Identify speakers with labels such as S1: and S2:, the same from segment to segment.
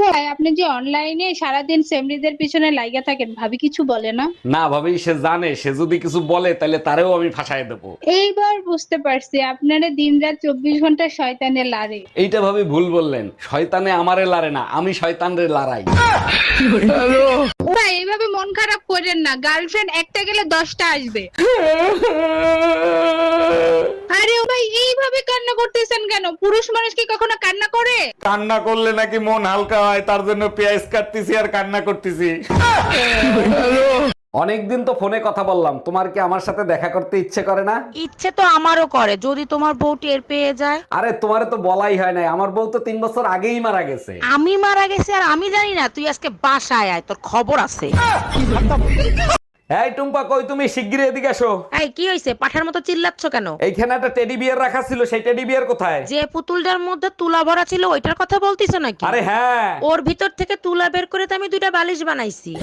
S1: আচ্ছা ভাই, আপনি যে অনলাইনে সারাদিন সেমরিদের পিছনে লাইগা থাকেন, ভাবি কিছু বলে না?
S2: না ভাবি, সে জানে সে যদি কিছু বলে তাহলে তারেও আমি ফাঁসায় দেবো।
S1: এইবার বুঝতে পারছি আপনারা দিনরাত 24 ঘন্টা শয়তানে লারে।
S2: এইটা ভাবি ভুল বললেন, শয়তানে আমারে লারে না, আমি শয়তানরে লারাই।
S1: ভাই এইভাবে মন খারাপ করেন না, গার্লফ্রেন্ড একটা গেলে 10টা আসবে। আরে ও ভাই এইভাবে কান্না করতেছেন কেন? পুরুষ মানুষ কি কখনো কান্না করে?
S2: কান্না করলে নাকি মন হালকা হয়, তার জন্য পেঁয়াজ কাটতেছি আর কান্না করতেছি। অনেকদিন তো ফোনে কথা বললাম, তোমার কি আমার সাথে দেখা করতে ইচ্ছে করে না?
S3: ইচ্ছে তো আমারও করে, যদি তোমার বউ টের পেয়ে যায়।
S2: আরে তোমারে তো বলাই হয় নাই, আমার বউ তো 3 বছর আগেই মারা গেছে।
S3: আমি মারা গেছি আর আমি জানি না? তুই আজকে বাসায় আয়, তোর খবর আছে।
S2: এই টুম্পা, কই তুমি? শিগগিরই এদিকে আসো।
S3: এই কি হইছে? পাঠার মতো চিল্লাচ্ছ কেন?
S2: এইখানে একটা টেডি বিয়ার রাখা ছিল, সেই টেডি বিয়ার কোথায়?
S3: যে পুতুলটার মধ্যে তুলা ভরা ছিল ওইটার কথা বলতিছ নাকি?
S2: আরে হ্যাঁ।
S3: ওর ভিতর থেকে তুলা বের করে তো আমি 2টা বালিশ বানাইছি।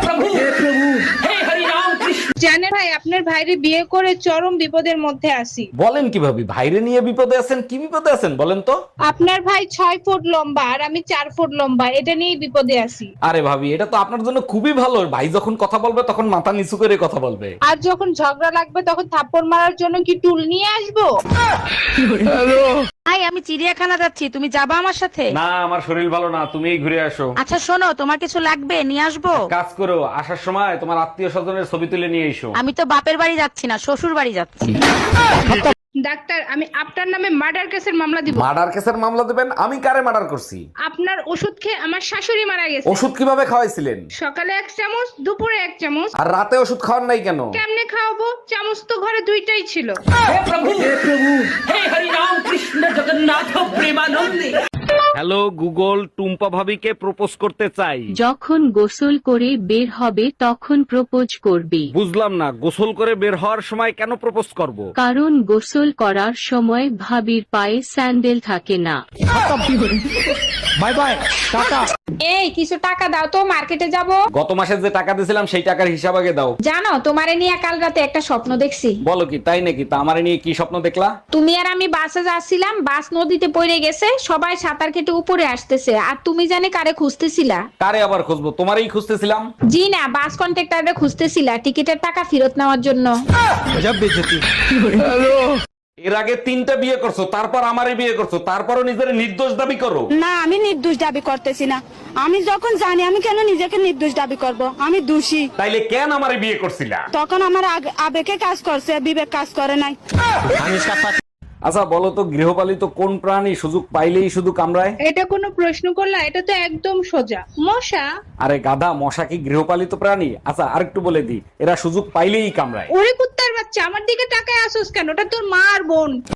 S1: জানেন ভাই, আপনার ভাইরে বিয়ে করে চরম বিপদের মধ্যে আছি।
S2: বলেন কি ভাবি, ভাইরে নিয়ে বিপদে আছেন? কি বিপদে আছেন বলেন তো?
S1: আপনার ভাই 6 ফুট লম্বা আর আমি 4 ফুট লম্বা, এটা নিয়েই বিপদে আছি।
S2: আরে ভাবি, এটা তো আপনার জন্য খুবই ভালো। ভাই যখন কথা বলবে তখন মাথা নিচু করে কথা বলবে।
S1: আর যখন ঝগড়া লাগবে তখন থাপ্পড় মারার জন্য কি টুল নিয়ে আসবো?
S3: ভাই আমি চিড়িয়াখানা যাচ্ছি, তুমি যাবা আমার সাথে?
S2: না, আমার শরীর ভালো না, তুমিই ঘুরে আসো।
S3: আচ্ছা শোনো, তোমার কিছু লাগবে নিয়ে আসবো?
S2: কাজ করো, আসার সময় তোমার আত্মীয় স্বজনের ছবি তুলে নিয়ে এসো।
S3: আমি তো বাপের বাড়ি যাচ্ছি না, শ্বশুর বাড়ি যাচ্ছি।
S1: ডাক্তার, আমি আপনার নামে মার্ডার কেসের মামলা দিব।
S2: মার্ডার কেসের মামলা দেবেন? আমি কারে মার্ডার করছি?
S1: আপনার ওষুধ খেয়ে আমার শাশুড়ি মারা গেছে।
S2: ওষুধ কিভাবে খাওয়াইছিলেন?
S1: সকালে 1 চামচ, দুপুরে 1 চামচ।
S2: আর রাতে ওষুধ খাওয়ার নাই কেন?
S1: কেমনে খাওয়াবো? চামচ তো ঘরে 2টাই ছিল।
S2: হ্যালো গুগল, টুম্পা ভাবিকে প্রপোজ করতে চাই।
S4: যখন গোসল করে বের হবে তখন প্রপোজ করবে।
S2: বুঝলাম না, গোসল করে বের হওয়ার সময় কেন প্রপোজ করব?
S4: কারণ গোসল করার সময় ভাবির পায়ে স্যান্ডেল থাকে না।
S2: Bye bye, tata.
S5: এই কিছু টাকা দাও তো, মার্কেটে যাব।
S2: গত মাসে যে টাকা দিয়েছিলাম সেই টাকার হিসাব আগে দাও।
S5: জানো, তোমারে নিয়ে কাল রাতে একটা স্বপ্ন দেখছি।
S2: বলো কি, তাই নাকি? তা আমারে নিয়ে কি স্বপ্ন দেখলা?
S5: তুমি আর আমি বাসে যাচ্ছিলাম, বাস নদীতে পড়ে গেছে, সবাই সাঁতার কেটে উপরে আসতেছে, আর তুমি জানে কারে খুঁজতেছিলা?
S2: কারে আবার খুঁজবো? তোমারই খুঁজতেছিলাম।
S5: জি না, বাস কন্ট্রাক্টরে খুঁজতেছিলা টিকিটের টাকা ফেরত নেওয়ার জন্য।
S2: এর আগে 3টা বিয়ে করছো, তারপর আমারে বিয়ে করছো, তারপরও নিজের নির্দোষ দাবি করো।
S6: না, আমি নির্দোষ দাবি করতেছি না। আমি যখন জানি, আমি কেন নিজেকে নির্দোষ দাবি করব? আমি দোষী।
S2: তাইলে কেন আমারে বিয়ে করছিলা?
S6: তখন আমার আবেগে কাজ করছে, বিবেক কাজ করে নাই।
S2: আচ্ছা বলো তো, গৃহপালিত কোন প্রাণী সুযোগ পাইলেই শুধু কামড়ায়?
S1: এটা কোনো প্রশ্ন করলা? এটা তো একদম সোজা, মশা।
S2: আরে গাধা, মশা কি গৃহপালিত প্রাণী? আচ্ছা আরেকটু বলে দি, এরা সুযোগ পাইলেই কামড়ায়।
S1: ওরে কুত্তার বাচ্চা, আমার দিকে তাকায় আসোস কেন? ওটা তোর মা আর বোন।